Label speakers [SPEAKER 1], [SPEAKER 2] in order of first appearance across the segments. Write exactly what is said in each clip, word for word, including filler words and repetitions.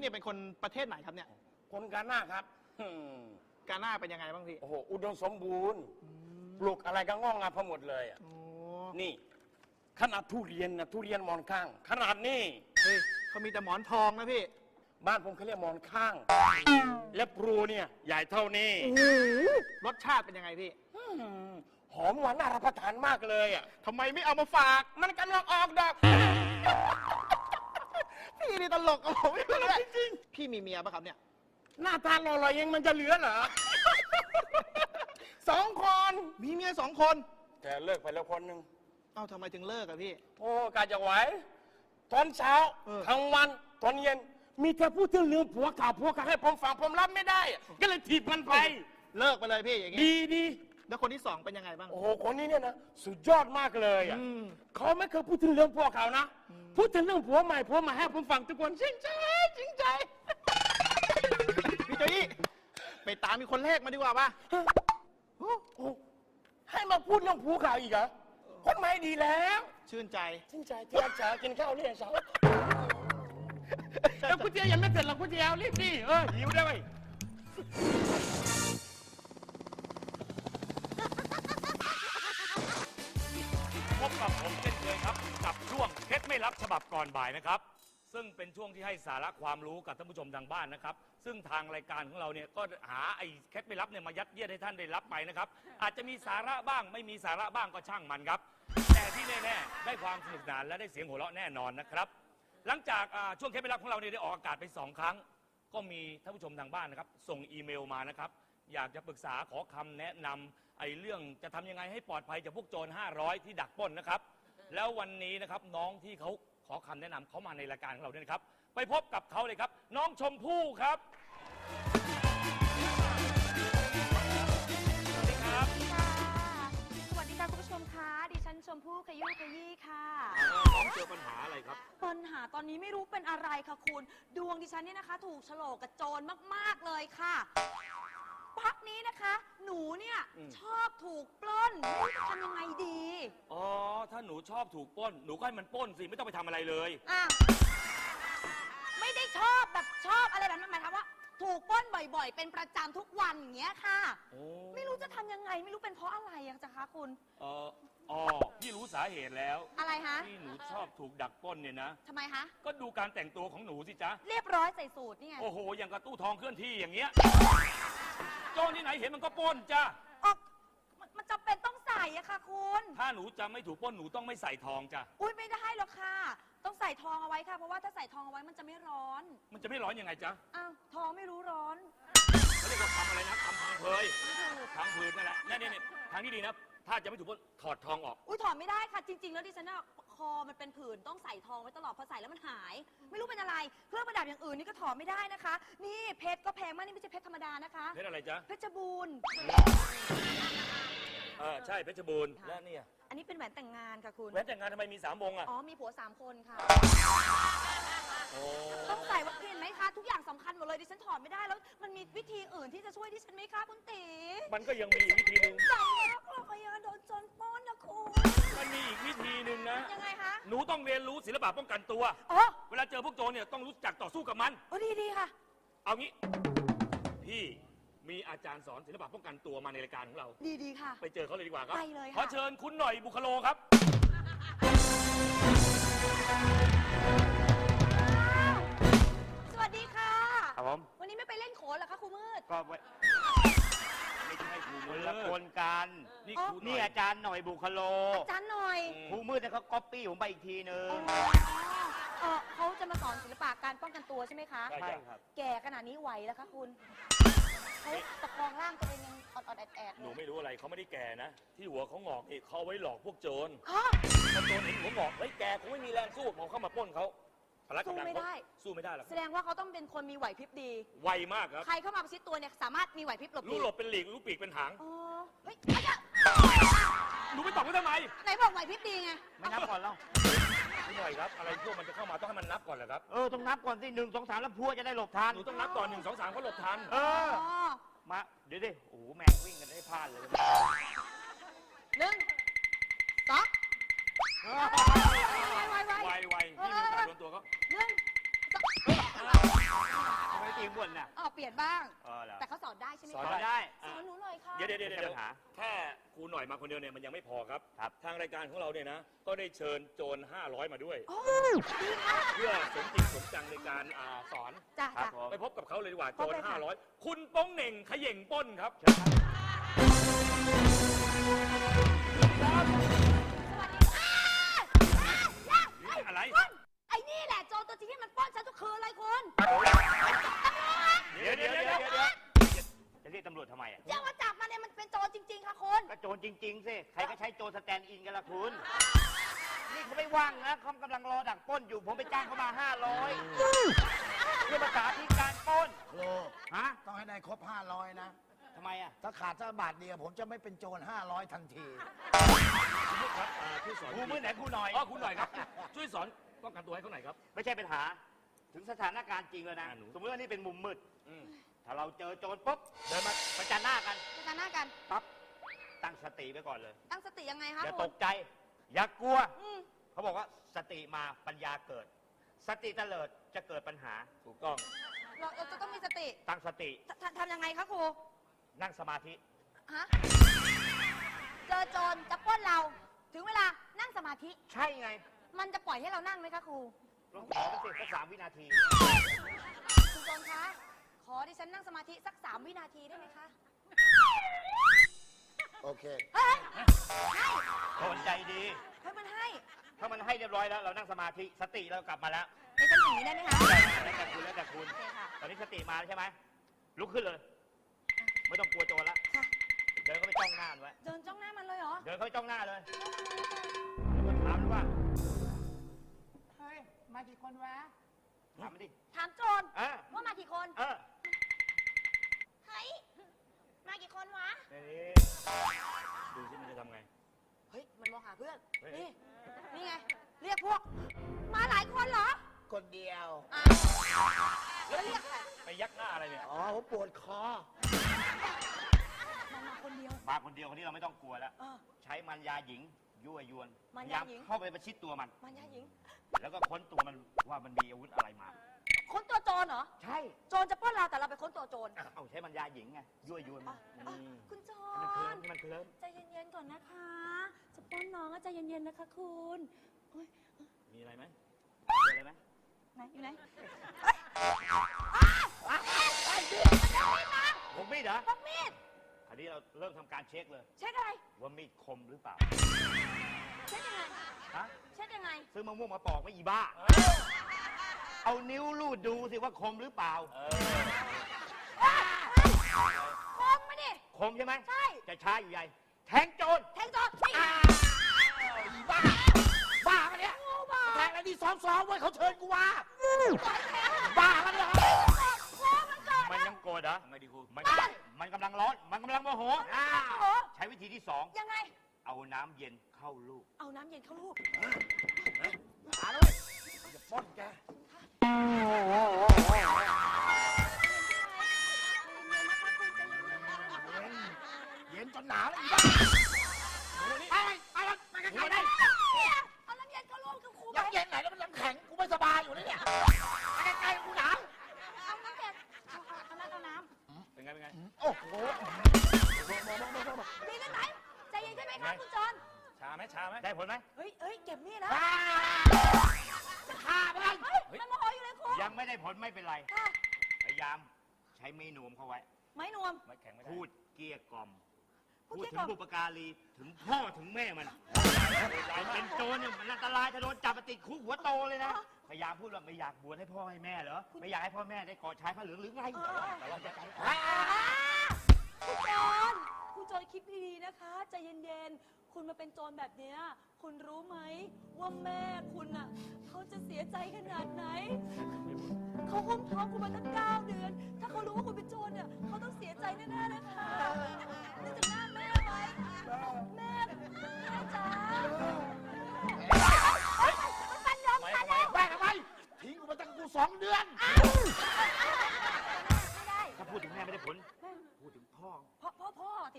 [SPEAKER 1] เนี่ยเป็นคนประเทศไหนครับเนี่ย
[SPEAKER 2] คนกาหน้าครับ
[SPEAKER 1] กาหน้าเป็นยังไงบ้างพี่
[SPEAKER 2] โอ้โหอุดมสมบูรณ์ปลูกอะไรก็งอกงามพอหมดเลยอ่ะนี่ขนาดทุเรียนนะทุเรียนหมอนข้างขนาดนี้
[SPEAKER 1] เฮ้ยเขามีแต่หมอนทองนะพี่
[SPEAKER 2] บ้านผมเขาเรียกหมอนข้างและปลูเนี่ยใหญ่เท่านี้
[SPEAKER 1] รสชาติเป็นยังไงพี่
[SPEAKER 2] หอมหวานน่ารับประทานมากเลยอ่ะ
[SPEAKER 1] ทำไมไม่เอามาฝาก
[SPEAKER 2] มันกำลังออกดอก
[SPEAKER 1] พี่นี่ตลกกับผมไม่รู้เลยจริงพี่มีเมียปะครับเนี่ย
[SPEAKER 2] หน้าตาหล่อๆยังมันจะเหลือเหรอสองคน
[SPEAKER 1] มีเมียสองคน
[SPEAKER 2] แต่เลิกไปแล้วคนหนึ่ง
[SPEAKER 1] เอ้าทำไมถึงเลิกอะพี่
[SPEAKER 2] โอ้กาจะไหวตอนเช้าทั้งวันตอนเย็นมีแต่พูดถึงเรื่องผัวเก่าผัวเก่าให้ผมฟังผมรับไม่ได้ก็เลยถีบมันไป
[SPEAKER 1] เลิกไปเลยพี่อย่างงี้
[SPEAKER 2] ดีดี
[SPEAKER 1] แล้วคนที่สองเป็นยังไงบ้าง
[SPEAKER 2] โอ้โหคนนี้เนี่ยนะสุดยอดมากเลยอ่ะเขาไม่เคยพูดถึงเรื่องผัวเก่านะพูดถึงเรื่องผัวใหม่ผัวใหม่ให้ผมฟังทุกคนจริงใจจริงใจ
[SPEAKER 1] พี่โจยี่ไปตามมีคนแรกมาดีกว่าป่ะ
[SPEAKER 2] ให้มาพูดเรื่องผัวเก่าอีกเหรอคนใหม่ดีแล้ว
[SPEAKER 1] ชื่นใจ
[SPEAKER 2] ชื่นใจที่รักษากินข้าวเนี่ยสาวแล้วก๋วยเตี๋ยวยังไม่เสร็จหรอกก๋วยเตี๋ยวรีบดิเออหิวได้ไหม
[SPEAKER 3] พบกับผมเช่นเคยครับกับช่วงเคล็ดไม่ลับฉบับก่อนบ่ายนะครับซึ่งเป็นช่วงที่ให้สาระความรู้กับท่านผู้ชมทางบ้านนะครับซึ่งทางรายการของเราเนี่ยก็หาไอ้เคล็ดไม่ลับเนี่ยมายัดเยียดให้ท่านได้รับไปนะครับอาจจะมีสาระบ้างไม่มีสาระบ้างก็ช่างมันครับแต่ที่แน่ๆได้ความสนุกสนานและได้เสียงหัวเราะแน่นอนนะครับหลังจากช่วงเคล็ดไม่ลับของเราเนี่ยได้ออกอากาศไปสองครั้งก็มีท่านผู้ชมทางบ้านนะครับส่งอีเมลมานะครับอยากจะปรึกษาขอคำแนะนำไอ้เรื่องจะทำยังไงให้ปลอดภัยจากพวกโจรห้าร้อยที่ดักปล้นนะครับแล้ววันนี้นะครับน้องที่เขาขอคำแนะนำเขามาในรายการของเราด้วยนะครับไปพบกับเขาเลยครับน้องชมพู่ครับสวัสดีครับ
[SPEAKER 4] สวัสดีค่ะคุณผู้ชมคะดิฉันชมพู่ขยุ้ยขยี้ค่ะ
[SPEAKER 3] น้องเจอปัญหาอะไรครับ
[SPEAKER 4] ปัญหาตอนนี้ไม่รู้เป็นอะไรค่ะคุณดวงดิฉันเนี่ยนะคะถูกโฉลกกับโจรมากๆเลยค่ะพักนี้นะคะหนูเนี่ยชอบถูกปล้นไม่รู้จะทำยังไงดี
[SPEAKER 3] อ๋อถ้าหนูชอบถูกปล้นหนูก็ให้มันปล้นสิไม่ต้องไปทำอะไรเลย
[SPEAKER 4] อ่ะไม่ได้ชอบแบบชอบอะไรแบบนั้นหมายความว่าถูกปล้นบ่อยๆเป็นประจำทุกวันอย่างเงี้ยค่ะไม่รู้จะทำยังไงไม่รู้เป็นเพราะอะไรอะจ๊ะคะคุณ
[SPEAKER 3] เอออ๋อพี่รู้สาเหตุแล้ว
[SPEAKER 4] อะไรคะ
[SPEAKER 3] ที่หนูชอบถูกดักปล้นเนี่ยนะ
[SPEAKER 4] ทำไมคะ
[SPEAKER 3] ก็ดูการแต่งตัวของหนูสิจ๊ะ
[SPEAKER 4] เรียบร้อยใส่สูทนี่ไง
[SPEAKER 3] โอ้โหอย่างกระตู้ทองเคลื่อนที่อย่างเงี้ยโจรที่ไหนเห็นมันก็ปล้นจ้ะ
[SPEAKER 4] อ๋อมันจำเป็นต้องใส่อะค่ะคุณ
[SPEAKER 3] ถ้าหนูจะไม่ถูกปล้นหนูต้องไม่ใส่ทองจ้ะ
[SPEAKER 4] อุ้ยไม่ได้หรอกค่ะต้องใส่ทองเอาไว้ค่ะเพราะว่าถ้าใส่ทองเอาไว้มันจะไม่ร้อน
[SPEAKER 3] มันจะไม่ร้อนยังไงจ๊ะ
[SPEAKER 4] อ้าวทองไม่รู้ร้อน
[SPEAKER 3] เขาเรียกว่าทำอะไรนะทำพังเพยทางพื้นนั่นแหละนี่นี่ทางที่ดีนะถ้าจะไม่ถูกปล้นถอดทองออก
[SPEAKER 4] อุ้ยถอดไม่ได้ค่ะจริงๆแล้วดิฉันน่ะคอมันเป็นผื่นต้องใส่ทองไว้ตลอดพอใส่แล้วมันหายไม่รู้เป็นอะไรเครื่องประดับอย่างอื่นนี่ก็ถอดไม่ได้นะคะนี่เพชรก็แพงมากนี่ไม่ใช่เพชรธรรมดานะคะ
[SPEAKER 3] เพชรอะไรจ๊ะ
[SPEAKER 4] เพชรบูรณ์
[SPEAKER 3] เออใช่เพชรบูรณ์แล้วเนี่ย
[SPEAKER 4] อันนี้เป็นแหวนแต่งงานค่ะคุณ
[SPEAKER 3] แหวนแต่งงานทำไมมีสามวงอ่ะ
[SPEAKER 4] อ๋อมีผัวสามคนค่ะต้องใส่วัคซีนไหมคะทุกอย่างสำคัญหมดเลยดิฉันถอดไม่ได้แล้วมันมีวิธีอื่นที่จะช่วยดิฉันไหมคะคุณตี
[SPEAKER 3] มันก็ยังมีอีกวิธีหนึ่ง
[SPEAKER 4] ใส่แล้วก็พยาโดนโจรปล้นนะคุณ
[SPEAKER 3] มันมีอีกวิธีหนึ่งนะ
[SPEAKER 4] ยังไงคะ
[SPEAKER 3] หนูต้องเรียนรู้ศิลปะป้องกันตัว
[SPEAKER 4] อ๋อ
[SPEAKER 3] เวลาเจอพวกโจรเนี่ยต้องรู้จักต่อสู้กับมัน
[SPEAKER 4] โอ้ดีดีค่ะ
[SPEAKER 3] เอางี้พี่มีอาจารย์สอนศิลปะป้องกันตัวมาในรายการของเรา
[SPEAKER 4] ดีดีค่ะ
[SPEAKER 3] ไปเจอเขาเลยดีกว่าครับ
[SPEAKER 4] ไปเลยค่ะ
[SPEAKER 3] ขอเชิญคุณหน่อยบุคโลครับ
[SPEAKER 4] สวัสดีค่ะ
[SPEAKER 5] ครับผม
[SPEAKER 4] วันนี้ไม่ไปเล่นโขนเหรอคะครูมืด
[SPEAKER 5] ก็ไม่
[SPEAKER 3] ใช่ครูมืด
[SPEAKER 5] ละคนกัน
[SPEAKER 3] นี่
[SPEAKER 5] นี่อาจารย์หน่อยบุคโล
[SPEAKER 4] อาจารย์หน่อย
[SPEAKER 5] ครูมืดเนี่ยเขาก๊อปปี้ผมไปอีกทีนึง
[SPEAKER 4] เขาจะมาสอนศิลปะการป้องกันตัวใช่ไหมคะ
[SPEAKER 5] ใช่ครับ
[SPEAKER 4] แก่ขนาดนี้ไหวแล้วคะคุณเขาตะคองร่างตัวเองยังอดๆแอดๆ
[SPEAKER 3] หนูไม่รู้อะไรเขาไม่ได้แก่นะที่หัวเขางอกนี่เขาไว้หลอกพวกโจร
[SPEAKER 4] ฮะ
[SPEAKER 3] พอโจรเห็นหัวงอกเฮ้ยแกคงไม่มีแรงสู้พอเข้ามาปล้นเขา
[SPEAKER 4] สู้ไม่ได้
[SPEAKER 3] สู้ไม่ได้หรอก
[SPEAKER 4] แสดงว่าเขาต้องเป็นคนมีไหวพริบดี
[SPEAKER 3] ไวมากครับ
[SPEAKER 4] ใครเข้ามาประชิดตัวเนี่ยสามารถมีไหวพริบหลบ
[SPEAKER 3] รู้หลบเป็นหลีกรู้ปีกเป็นหาง
[SPEAKER 4] อ๋อเฮ้ย
[SPEAKER 3] หนูไปตอบเขาทำไม
[SPEAKER 4] ไหนบอกไหวพริบดีไง
[SPEAKER 5] ไม่นับก่อนแล้ว
[SPEAKER 3] พี่หน่อยครับอะไรพวกมันจะเข้ามาต้องให้มันนับก่อนเหรอครับ
[SPEAKER 5] เออต้องนับก่อนสิหนึ่งสองสามแล้วพวกจะได้หลบทัน
[SPEAKER 3] หนูต้องนับก่อนหนึ่งสองสามเขาหลบทัน
[SPEAKER 5] เออมาเดี๋ยวดิโอ้โหแมงวิ่งกันได้พลาดเลย
[SPEAKER 4] หนึ่งสองไวไวไว
[SPEAKER 3] ไวไวนี่มีโอกาสโดนตัวเขา
[SPEAKER 4] หนึ่งสอง
[SPEAKER 5] งบ่นน่ะ
[SPEAKER 4] อ๋อเปลี่ยนบ้าง
[SPEAKER 5] เออเหรอ
[SPEAKER 4] แต่เขาสอนได้ใช่ไหม
[SPEAKER 3] สอน
[SPEAKER 4] คะ
[SPEAKER 5] สอนได้
[SPEAKER 4] สอนหนูหน่อยค่ะ
[SPEAKER 3] เดี๋ยวเดี๋ยวเดี๋ยว
[SPEAKER 5] ไม่
[SPEAKER 3] เดี๋
[SPEAKER 5] ใช่
[SPEAKER 3] ยว
[SPEAKER 5] ปัญหา
[SPEAKER 3] แค่ครูหน่อยมาคนเดียวเนี่ยมันยังไม่พอครับ
[SPEAKER 5] ครับ
[SPEAKER 3] ทางรายการของเราเนี่ยนะ ก็ได้เชิญโจรห้าร้อยมาด้วย
[SPEAKER 4] โอ้ดีค่ะ
[SPEAKER 3] เพื่อสมจริงสมจังในการอ่าสอน
[SPEAKER 4] จ้ะ
[SPEAKER 5] ครับ
[SPEAKER 4] จ้ะ
[SPEAKER 5] ผม
[SPEAKER 3] ไปพบกับเขาเลยดีกว่า
[SPEAKER 4] พ
[SPEAKER 3] โจ
[SPEAKER 4] บ
[SPEAKER 3] ร
[SPEAKER 4] เลยค่ะ
[SPEAKER 3] ห้าร้อยคุณโป้งเหน่งเขย่งปล้นครับ
[SPEAKER 5] เชิญครับ
[SPEAKER 4] สวัสดีค่ะอ้า
[SPEAKER 3] อะไร
[SPEAKER 4] คุณไอ้นี่แหละโจรตัวจริงที่มันปล้นฉันทุกคืนเลยคุณ
[SPEAKER 3] เดี๋ยวเดี๋ยวเดี๋ยวเดี๋ยวเดี๋ยว
[SPEAKER 5] จะเรียกตำรวจทำไมอ่ะ
[SPEAKER 4] จะมาจับมันเนี่ยมันเป็นโจรจริง ๆ ค่ะคุณ
[SPEAKER 5] ก็โจรจริงๆสิใครก็ใช้โจรสแตนด์อินกันละคุณ นี่เขาไม่ว่างนะเขากำลังรอดักปล้นอยู่ ผมไปจ้างเขามาห้าร้อยเพื่อมาสาธิตการปล้น
[SPEAKER 6] โล
[SPEAKER 5] ฮะ
[SPEAKER 6] ต้องให้ได้ครบห้าร้อยนะ
[SPEAKER 5] ทำไมอ่ะ
[SPEAKER 6] ถ้าขาดสักบาทเดียวผมจะไม่เป็นโจรห้าร้อยทันที
[SPEAKER 3] คุณผู้ครับอ่าช่วยสอน
[SPEAKER 5] ครูมือไหนครูหน่อย
[SPEAKER 3] อ๋อคุณหน่อยครับ ช่วยสอนป้องกันตัวให้เขาหน่อยครับ
[SPEAKER 5] ไม่ใช่ปัญหา ถึงสถานการณ์จริงแล้วนะ
[SPEAKER 3] อ่าหนู
[SPEAKER 5] สมมติว่านี่เป็นมุมมืด
[SPEAKER 3] อืม
[SPEAKER 5] ถ้าเราเจอโจรปุ๊บ เดินมาประจันหน้ากัน
[SPEAKER 4] ประจันหน้ากัน
[SPEAKER 5] ปั๊บ ตั้งสติไว้ก่อนเลย
[SPEAKER 4] ตั้งสติยังไงคะ
[SPEAKER 5] อย่า
[SPEAKER 4] คุ
[SPEAKER 5] ต
[SPEAKER 4] ณ
[SPEAKER 5] กใจ อย่ากลัว
[SPEAKER 4] อืม
[SPEAKER 5] เขาบอกว่าสติมาปัญญาเกิด สติเตลิดจะเกิดปัญหา
[SPEAKER 3] ถูกต้อง
[SPEAKER 4] เราเราจะต้องมีสติ
[SPEAKER 5] ตั้งสติ
[SPEAKER 4] ททำยังไงคะครู
[SPEAKER 5] นั่งสมาธิ
[SPEAKER 4] ฮะ เจอโจรจะปล้นเรา ถึงเวลานั่งสมาธิ
[SPEAKER 5] ใช่ไง
[SPEAKER 4] มันจะปล่อยให้เรานั่งไหมคะครู
[SPEAKER 5] ลองขอสักสิสักสามวินาที
[SPEAKER 4] คุณโจรคะ ขอดิฉันนั่งสมาธิสักสามวินาทีได้ไหมคะ
[SPEAKER 6] โอเค
[SPEAKER 4] เฮ้ยให้
[SPEAKER 5] คนใจดี
[SPEAKER 4] เฮ้ยมันให้
[SPEAKER 5] ถ้ามันให้เรียบร้อยแล้ว เรานั่งสมาธิ สติเรากลับมาแล้ว
[SPEAKER 4] ในจังหวะนี้ได้ไหมคะ
[SPEAKER 5] แล้วแต่คุณแล้วแต่คุณ
[SPEAKER 4] โอเคค่ะ
[SPEAKER 5] ตอนนี้สติมาแล้วใช่ไหม ลุกขึ้นเลย ไม่ต้องกลัวโจรละ
[SPEAKER 4] ค่ะ
[SPEAKER 5] เดินเข้าไปจ้องหน้ามันไว้
[SPEAKER 4] เดินจ้องหน้ามันเลยเหรอ
[SPEAKER 5] เดินเข้าไปจ้องหน้าเลย แล้วก็ถามมันว่า เฮ้ย มากี่คนวะ ถามมันดิ
[SPEAKER 4] ถามโจร
[SPEAKER 5] เออ
[SPEAKER 4] ว่ามากี่คน
[SPEAKER 5] เออ
[SPEAKER 4] เฮ้ย มากี่คนวะ
[SPEAKER 5] นี่
[SPEAKER 3] ดูสิมันจะทำไง
[SPEAKER 4] เฮ้ย มันมองหาเพื่อน
[SPEAKER 3] เฮ้ย
[SPEAKER 4] นี่ นี่ไง เรียกพวก มาหลายคนเหรอ
[SPEAKER 6] คนเดียว
[SPEAKER 4] อ้าวแล้วเรียกใคร
[SPEAKER 3] ไปยักหน้าอะไรเนี่ย
[SPEAKER 6] อ๋อ ผมปวดคอ
[SPEAKER 4] มันมาคนเดียว
[SPEAKER 5] มาคนเดียวคนนี้เราไม่ต้องกลัวแล้ว
[SPEAKER 4] เออ
[SPEAKER 5] ใช้มันยาหญิง ยั่วยวน
[SPEAKER 4] มัน
[SPEAKER 5] พ
[SPEAKER 4] ยาหญิง
[SPEAKER 5] เข้าไปประชิดตัวมัน
[SPEAKER 4] มันยาหญิง
[SPEAKER 5] แล้วก็ค้นตัวมันว่ามันมีอาวุธอะไรมา
[SPEAKER 4] ค้นตัวโจรเหรอ
[SPEAKER 5] ใช่
[SPEAKER 4] โจรจะปล้นเราแต่เราไปค้นตัวโจร
[SPEAKER 5] เอาใช้มันยาหญิงไง ยั่วยวน
[SPEAKER 4] อ๋
[SPEAKER 5] มั
[SPEAKER 4] อน อ๋อคุณโจ
[SPEAKER 5] ให้มันเคลิ้
[SPEAKER 4] ร
[SPEAKER 5] มให้มันเคลิ้ม
[SPEAKER 4] ใจเย็นๆก่อนนะคะ จะปล้นน้องก็ใจเย็นๆนะคะคุณโอ๊ย
[SPEAKER 3] มีอะไรไหม
[SPEAKER 5] เจออะไรไหม
[SPEAKER 4] ไหนอยู่ไหน
[SPEAKER 5] ผมมีดเหรอ
[SPEAKER 4] พกมีด
[SPEAKER 5] คราวนี้เราเริ่มทำการเช็คเลย
[SPEAKER 4] เช็คอะไร
[SPEAKER 5] ว่ามีดคมหรือเปล่า
[SPEAKER 4] เช็คยังไง
[SPEAKER 5] ฮะ
[SPEAKER 4] เช็คยังไง
[SPEAKER 5] ซื้อมะม่วงมาปอกไม่อีบ้า เอานิ้วลูดดูสิว่าคมหรือเปล่า
[SPEAKER 3] เออ
[SPEAKER 4] คมมาดิ
[SPEAKER 5] คมใช่ไหม
[SPEAKER 4] ใช่
[SPEAKER 5] จะช้าอยู่ใหญ่ แทงโจร
[SPEAKER 4] แทงโจรนี่
[SPEAKER 6] อีบ้า บ้ากันเนี่ย
[SPEAKER 4] งูบ้า
[SPEAKER 6] แทงอะไรนี่ซ้อมๆไว้เขาเชิญกูว่า
[SPEAKER 4] ปล่อยแทง
[SPEAKER 6] บ้ากันเหรอ
[SPEAKER 4] คอมันเกิด
[SPEAKER 5] มันยังโกรธเหรอ
[SPEAKER 3] ทำไงดีครู
[SPEAKER 5] มันมันกำลังร้อน มันกำลังโมโห
[SPEAKER 6] อ้า
[SPEAKER 4] โอ้
[SPEAKER 6] ว
[SPEAKER 4] โห
[SPEAKER 5] ใช้วิธีที่สอง
[SPEAKER 4] ยังไง
[SPEAKER 5] เอาน้ำเย็นเข้าลูก
[SPEAKER 4] เอาน้ำเย็นเข้าลูก
[SPEAKER 6] หาเลยจะปล้นแก เย็น เย็นจนหนาวแล้วอีบ้า ไปไปไปไปกันใครได้
[SPEAKER 4] เอาน้ำเย็นเข้าลูกคือครูไป
[SPEAKER 6] ยังเย็นไหนแล้วมันยังแข็ง กูไม่สบายอยู่แล้วเนี่ยไปไกลๆกูหนาว
[SPEAKER 4] เอาน้ำเย็นเอาเอาเอาน้ำเอาน้
[SPEAKER 3] เป็นไงเป็นไง
[SPEAKER 6] โอ้โห
[SPEAKER 4] ำดีกันไหนใจเย็นใช่ไหมคะคุณโจร
[SPEAKER 3] ชาไหมชาไหม
[SPEAKER 5] ได้ผลไหม
[SPEAKER 4] เฮ้ยเฮ้ยเก็บมีดนะ
[SPEAKER 6] อ้าจะฆ่ามัน
[SPEAKER 4] เฮ้ยมันโมโหอยู่เลยครู
[SPEAKER 5] ยังไม่ได้ผลไม่เป็นไร
[SPEAKER 4] ค่ะ
[SPEAKER 5] พยายามใช้เมนูมเข้าไว้
[SPEAKER 4] ไม้นวม
[SPEAKER 3] ไม่แข็งไม่ได้
[SPEAKER 5] พูดเกลี้ยกล่อม
[SPEAKER 4] พู
[SPEAKER 5] พู
[SPEAKER 4] ด
[SPEAKER 5] ด
[SPEAKER 4] เกลี้ยกล่อม
[SPEAKER 5] ถึงบุปการี ถึงพ่อถึงแม่มันมันเป็นโจรเนี่ยมันอันตรายถ้าโดนจับมาติดคุกหัวโตเลยนะ พยายามพูดว่าไม่อยากบวชให้พ่อให้แม่เหรอ ไม่อยากให้พ่อแม่ได้กอดชายผ้าเหลืองหรือไงแต่เราจะใจ
[SPEAKER 4] อ่าคุณโจรคุณโจรคิดดีๆนะคะ ใจเย็นๆ คุณมาเป็นโจรแบบเนี้ยคุณรู้ไหมว่าแม่คุณอ่ะเขาจะเสียใจขนาดไหน เขาห้มท้องคุณมาตั้งเก้าเดือน ถ้าเขารู้ว่าคุณเป็นโจรเนี่ยเขาต้องเสียใจแน่ๆนะคะนึกถึงหน้าแม่ไว้แม่แม่จ๋าเฮ้ยมันฟันยอมกันแล้ว
[SPEAKER 6] แม่ทำไมทิ้งกูมาตั้งกูสองเดือน
[SPEAKER 4] ไม่ได้
[SPEAKER 5] ถ้าพูดถึงแม่ไม่ได้ผล พูดถึงพ่อ
[SPEAKER 4] พ่อพ่อพ่อสิ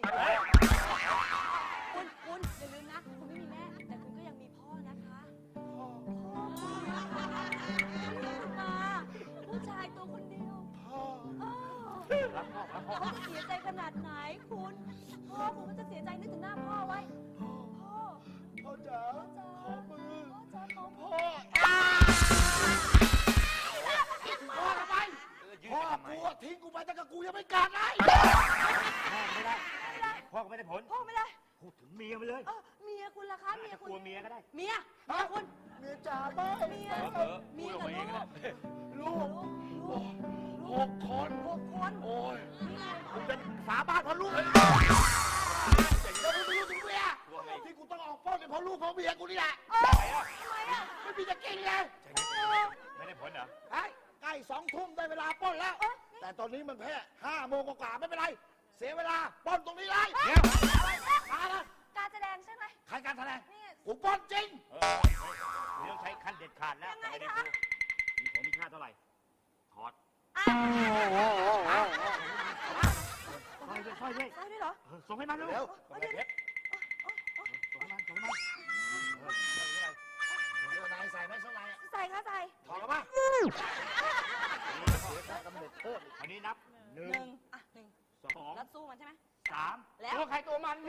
[SPEAKER 4] คุณคุณอย่าลืมนะ คุณไม่มีแม่ แต่คุณก็ยังมีพ่อนะคะพ่อพ่อคุณมาผู้ชายตัวคนเดียว
[SPEAKER 6] พ่อ
[SPEAKER 4] เขาจะเสียใจขนาดไหนคุณพ่อคุณก็จะเสียใจนึกถึงหน้าพ่อไว้พ่อ
[SPEAKER 6] พ่อจ๋า
[SPEAKER 4] พ่อจ๋า
[SPEAKER 6] ขอมือ
[SPEAKER 4] พ่อจ๋าขอมื
[SPEAKER 6] พ่อ
[SPEAKER 4] อ
[SPEAKER 6] พ่อทำไมพ่อกูอะทิ้งกูไปแต่กับกูยังไม่กลับเลย
[SPEAKER 5] พ่อไม่ได้ พ่อก็ไม่ได้ผล
[SPEAKER 4] พ่อไม่ได้
[SPEAKER 5] พูดถึงเมียไปเลย
[SPEAKER 4] เออเมียคุณล่ะคะเมีย
[SPEAKER 5] จะ
[SPEAKER 4] คุ
[SPEAKER 5] ก
[SPEAKER 4] ณ
[SPEAKER 5] ลัวเมียก็ได้
[SPEAKER 4] เมียเมียคุณ
[SPEAKER 6] เมียจ๋าไม่
[SPEAKER 4] เมีย
[SPEAKER 3] เออ
[SPEAKER 4] เมีย
[SPEAKER 3] พูดออก
[SPEAKER 4] กับ
[SPEAKER 3] มาเอง
[SPEAKER 4] ลู
[SPEAKER 3] ก็
[SPEAKER 4] ก
[SPEAKER 3] ได้
[SPEAKER 4] ลูกลูก
[SPEAKER 6] หกคน
[SPEAKER 4] หกคน
[SPEAKER 6] โอ้ยกูเป็นฝาบ้านเพราะลูกแล้วมึงไม่รู้ถึงเมียที่กูต้องออกป้อนเป็นเพราะลูกเพราะเมียกูนี่แหละ
[SPEAKER 4] เออทำไมอ่ะ
[SPEAKER 6] ไม่มีจะกินเลย
[SPEAKER 5] ไม่ได้ผลเหรอ
[SPEAKER 6] ไอ้ใกล้สองทุ่มได้เวลาป้อนแล้ว แต่ตอนนี้มันแค่ห้าโมงกว่าๆไม่เป็นไร เสียเวลาป้อนตรงนี้เลย
[SPEAKER 5] เดี๋ยว
[SPEAKER 6] มาเลย
[SPEAKER 4] การแสดงใช่ไหม
[SPEAKER 6] ใครการแสดง
[SPEAKER 4] นี่
[SPEAKER 6] กูป้อนจริง
[SPEAKER 5] เออเรื่องใช้ขั้นเด็ดขาดแล้ว
[SPEAKER 4] ยังไง
[SPEAKER 5] ไม่ได้
[SPEAKER 4] คะ
[SPEAKER 5] ดูมีผลมีค่าเท่าไหร่ ถอด
[SPEAKER 4] อ่ะ
[SPEAKER 5] สร้อยด้วยสร้อยด้วย
[SPEAKER 4] ได้ด้วยเหรอ
[SPEAKER 5] เออส่งให้มันเร็ว
[SPEAKER 6] เร็ว
[SPEAKER 4] เดี๋ยวเดี๋ยว
[SPEAKER 5] ส่งให้มันส่งให้มัน
[SPEAKER 6] เดี๋ยวนายใส่ไหมข้างในอะ
[SPEAKER 4] ใส่ค่ะใส่
[SPEAKER 6] ถอดออกมา
[SPEAKER 5] อันนี้นับหนึ่ง
[SPEAKER 4] หนึ่งอ่ะหนึ่ง
[SPEAKER 5] สอง
[SPEAKER 4] แล้วสู้มันใช่ไหม
[SPEAKER 5] สาม
[SPEAKER 4] แล้ว
[SPEAKER 5] ตัวใครตัวมันนี่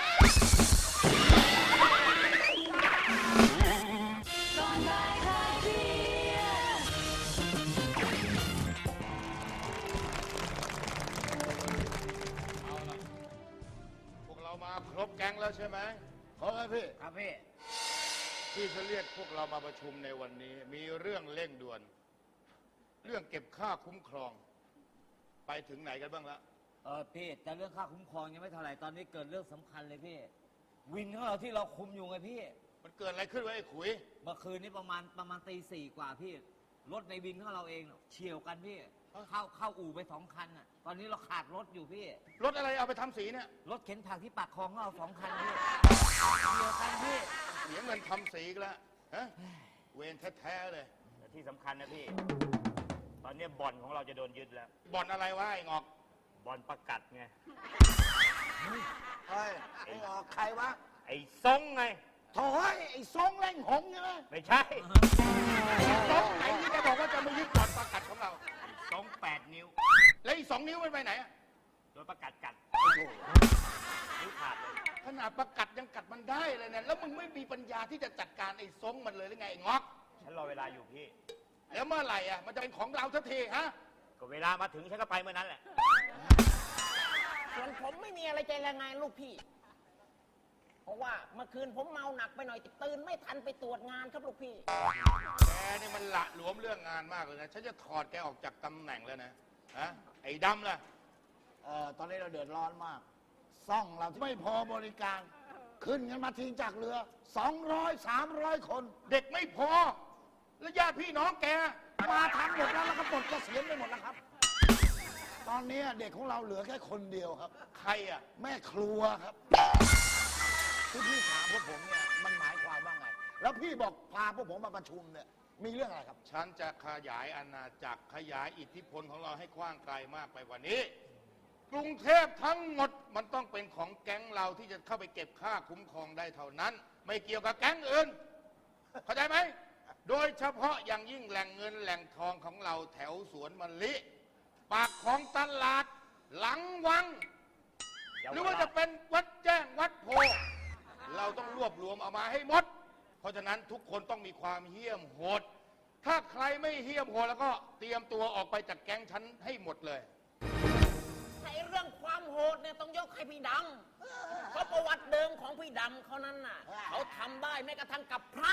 [SPEAKER 7] เอาละพวกเรามาครบแก๊งแล้วใช่ไหม
[SPEAKER 6] ขอครับพี่
[SPEAKER 5] ครับพี่
[SPEAKER 7] ที่จะเรียกพวกเรามาประชุมในวันนี้ มีเรื่องเร่งด่วน เรื่องเก็บค่าคุ้มครอง ไปถึงไหนกันบ้างละ
[SPEAKER 8] เออพี่แต่เรื่องค่าคุ้มครองยังไม่เท่าไหร่ตอนนี้เกิดเรื่องสำคัญเลยพี่ วินของเราที่เราคุมอยู่ไงพี่
[SPEAKER 7] มันเกิดอะไรขึ้นวะไอ้ขุย
[SPEAKER 8] เมื่อคืนนี้ประมาณประมาณตีสี่กว่าพี่รถในวินของเราเองเฉี่ยวกันพี่ เข้าเข้าอู่ไปสองคันอ่ะตอนนี้เราขาดรถอยู่พี่
[SPEAKER 7] รถอะไรเอาไปทำสีเนี่ย
[SPEAKER 8] รถเข็นผักที่ปากคลองของเราสองคันพี่เฉี่ยวกันพี่
[SPEAKER 7] เสียเงินทำสีอีกแล้วฮะเวรแท้ๆเลย
[SPEAKER 5] แต่ที่สำคัญนะพี่ ตอนนี้บ่อนของเราจะโดนยึดแล้ว
[SPEAKER 7] บ่อนอะไรวะไอ้งอก
[SPEAKER 5] บ่อนประกัดไง
[SPEAKER 6] เฮ้ย ไอ้ออกใครวะ
[SPEAKER 5] ไอ้ซงไง
[SPEAKER 6] โถ่เฮ้ยไอ้ซองแรงหงใช่ไหม
[SPEAKER 5] ไม่ใช่
[SPEAKER 7] สองไหนที่แกบอกว่าจะมายึดบ่อนประกัดของเรา
[SPEAKER 5] ไอ้ซงแปดนิ้ว
[SPEAKER 7] แล้วอีกสองนิ้วมันไปไหนอะ
[SPEAKER 5] โดนประกัดกัดนิ้วขาดเลย
[SPEAKER 7] ขนาดประกัดยังกัดมันได้เลยเนี่ยแล้วมึงไม่มีปัญญาที่จะจัดการไอ้ซงมันเลยหรือไงไอ้งอก
[SPEAKER 5] ฉันรอเวลาอยู่พี่
[SPEAKER 7] แล้วเมื่อไหร่อะมันจะเป็นของเราสักทีฮะ
[SPEAKER 5] ก็เวลามาถึงฉันก็ไปเมื่อนั้นแหละ
[SPEAKER 9] ส่วนผมไม่มีอะไรใจรายงานลูกพี่ เพราะว่าเมื่อคืนผมเมาหนักไปหน่อยตื่นไม่ทันไปตรวจงานครับลูกพี่
[SPEAKER 7] แกนี่มันละหลวมเรื่องงานมากเลยนะ ฉันจะถอดแกออกจากตำแหน่งแล้วนะ ฮะ ไอ้ดำล่ะ
[SPEAKER 6] เอ่อตอนนี้เราเดือดร้อนมาก ซ่องเราไม่พอบริการ ขึ้นกันมาทิ้งจากเรือ สองร้อย สามร้อย คน
[SPEAKER 7] เด็กไม่พอ แล้วญาติพี่น้องแก
[SPEAKER 6] มาทั้งหมดแล้วแล้วก็ปลดเกษียณไปหมดแล้วครับ ตอนนี้เด็กของเราเหลือแค่คนเดียวครับ
[SPEAKER 7] ใครอ่ะ
[SPEAKER 6] แม่ครัวครับที่พี่ถามพวกผมเนี่ยมันหมายความว่าไง แล้วพี่บอกพาพวกผมมาประชุมเนี่ยมีเรื่องอะไรครับ
[SPEAKER 7] ฉันจะขยายอาณาจักรขยายอิทธิพลของเราให้กว้างไกลมากไปกว่านี้ กรุงเทพทั้งหมดมันต้องเป็นของแก๊งเราที่จะเข้าไปเก็บค่าคุ้มครองได้เท่านั้น ไม่เกี่ยวกับแก๊งอื่น เข้าใจไหม โดยเฉพาะอย่างยิ่งแหล่งเงินแหล่งทองของเราแถวสวนมะลิ ปากของตลาด หลังวัง หรือว่าจะเป็นวัดแจ้งวัดโพ เราต้องรวบรวมเอามาให้หมด เพราะฉะนั้นทุกคนต้องมีความเหี้ยมโหด ถ้าใครไม่เหี้ยมโหดแล้วก็เตรียมตัวออกไปจากแก๊งฉันให้หมดเลย
[SPEAKER 9] ในเรื่องความโหดเนี่ยต้องยกให้พี่ดำเพราะประวัติเดิมของพี่ดำเขานั้นน่ะ เขาทำได้แม้กระทั่งกับพระ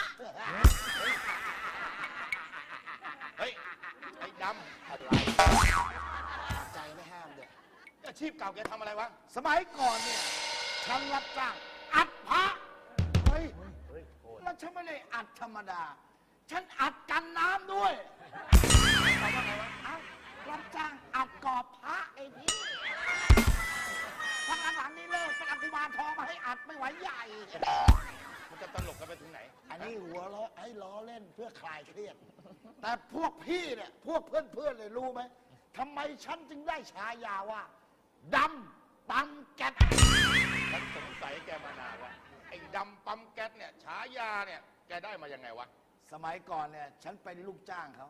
[SPEAKER 7] เฮ้ย ไอ้ดำอะไร
[SPEAKER 6] ใจไม่ห้ามเด็ก
[SPEAKER 7] อาชีพเก่าแกทำอะไรวะ
[SPEAKER 6] สมัยก่อนเนี่ยฉันรับจ้างอัดพระเฮ้ยแล้วฉันไม่ได้อัดธรรมดา ฉันอัดกันน้ำด้วยเอ้ารับจ้างอัดกรอบพระไอ้พี่พักหลังๆนี่เลิกเป็นอัฐิบาลทองมาให้อัดไม่ไหวใหญ่
[SPEAKER 7] มันจะตลกกันไปถึงไหน
[SPEAKER 6] อันนี้หัวเราะให้ล้อเล่นเพื่อคลายเครียด แต่พวกพี่เนี่ยพวกเพื่อนๆเลยรู้ไหมทำไมฉันจึงได้ฉายาว่าดำปั๊มแก๊ส
[SPEAKER 7] ฉันสงสัยแกมานานแล้ว ไอ้ดำปั๊มแก๊สเนี่ยฉายาเนี่ยแกได้มายังไงวะ
[SPEAKER 6] สมัยก่อนเนี่ยฉันเป็นลูกจ้างเขา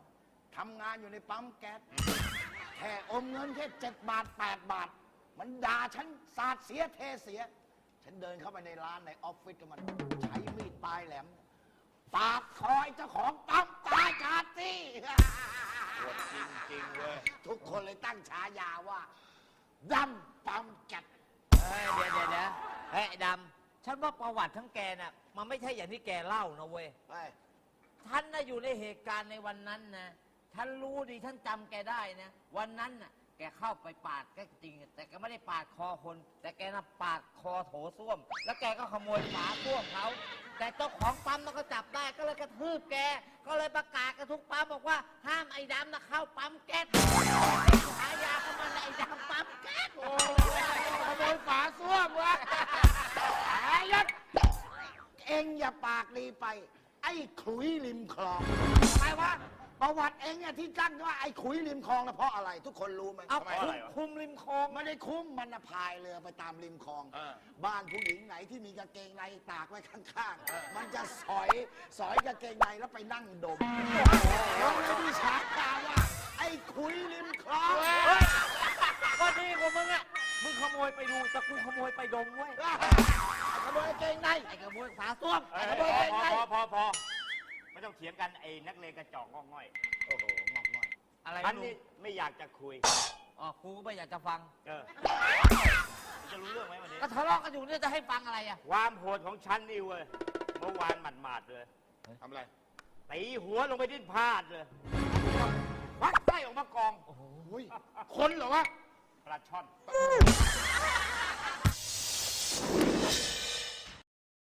[SPEAKER 6] ทำงานอยู่ในปั๊มแก๊สแค่อมเงินแค่เจ็ดบาทแปดบาท มันด่าฉันสาดเสียเทเสีย ฉันเดินเข้าไปในร้านในออฟฟิศกับมันใช้มีดปลายแหลมปาดคอยเจ้าของปั๊มตายคาที่
[SPEAKER 7] จริงๆเว้ย
[SPEAKER 6] ทุกคนเลยตั้งฉายาว่าดำปั๊มแก๊ส
[SPEAKER 8] เฮ้ยเดี๋ยวเดี๋ยวเดี๋ยวเฮ้ยไอ้ดำฉันว่าประวัติทั้งแกน่ะมันไม่ใช่อย่างที่แกเล่านะเว้ย
[SPEAKER 6] ไป
[SPEAKER 8] ฉันน่ะอยู่ในเหตุการณ์ในวันนั้นนะฉันรู้ดีฉันจำแกได้นะวันนั้นน่ะแกเข้าไปปาดก็จริง แต่แกไม่ได้ปาดคอคน แต่แกน่ะปาดคอโถส้วม แล้วแกก็ขโมยฝาส้วมเขาแต่เจ้าของปั๊มน่ะก็จับได้ก็เลยกระทืบแกก็เลยประกาศกันทุกปั๊มบอกว่าห้ามไอ้ดำน่ะเข้าปั๊มแก๊สฉายาเขามันไอ้ดำปั๊มแก๊ส
[SPEAKER 6] ขโมยฝาส้วมวะไอ้ยัดเอ็งอย่าปากดีไป ไอ้ขุยริมคลองทำไมวะประวัติเอ็งเนี่ยที่ตั้งว่าไอ้ขุยริมคลองนะเพราะอะไร ทุกคนรู้ไหม
[SPEAKER 8] เอา
[SPEAKER 7] ทำไม
[SPEAKER 8] คุ
[SPEAKER 7] อะไร
[SPEAKER 8] ม
[SPEAKER 7] วะ
[SPEAKER 8] คุมริมคลอง
[SPEAKER 6] ไม่ได้คุ้มมันนะพายเรือไปตามริมคลอง
[SPEAKER 7] เออ
[SPEAKER 6] บ้านผู้หญิงไหนที่มีกางเกงในตากไว้ข้างๆ มันจะสอยสอยกางเกงในแล้วไปนั่งดมแล้วเลยที่ฉายาว่า ไอ้ขุยริมคลอง
[SPEAKER 8] ก็ดีกว่ามึงอ่ะ มึงขโมยไปดูแต่กูขโมยไปดมเว้ย
[SPEAKER 6] ขโมยกางเกงใน
[SPEAKER 8] ไอ้ขโมยฝาส้วม
[SPEAKER 5] เอ้ย
[SPEAKER 6] ขโมยกางเกง
[SPEAKER 5] พ
[SPEAKER 6] ใน
[SPEAKER 5] อพอพอไม่ต้องเถียงกันไอ้นักเลงกระจอกงอกง่อย
[SPEAKER 6] โอ้โหงอกง่อย
[SPEAKER 8] อะไร
[SPEAKER 5] ฉั
[SPEAKER 8] ไม่
[SPEAKER 5] น
[SPEAKER 8] รู้
[SPEAKER 5] นี่ไม่อยากจะคุย
[SPEAKER 8] อ๋อกูก็ไม่อยากจะฟัง
[SPEAKER 5] เออจะรู้เรื่องไหมวันนี้
[SPEAKER 8] ก็ทะเลาะกันอยู่เนี่ยจะให้ฟังอะไรอ่ะ
[SPEAKER 5] ความโหดของฉันนี่เว้ย เมื่อวานหมาดๆเลย
[SPEAKER 7] ทำอะไร
[SPEAKER 5] ตีหัวลงไปดิ้นพลาดเลยควักไส้ออกมากอง
[SPEAKER 7] คนเหรอวะ
[SPEAKER 5] ปลาช่อน
[SPEAKER 7] ป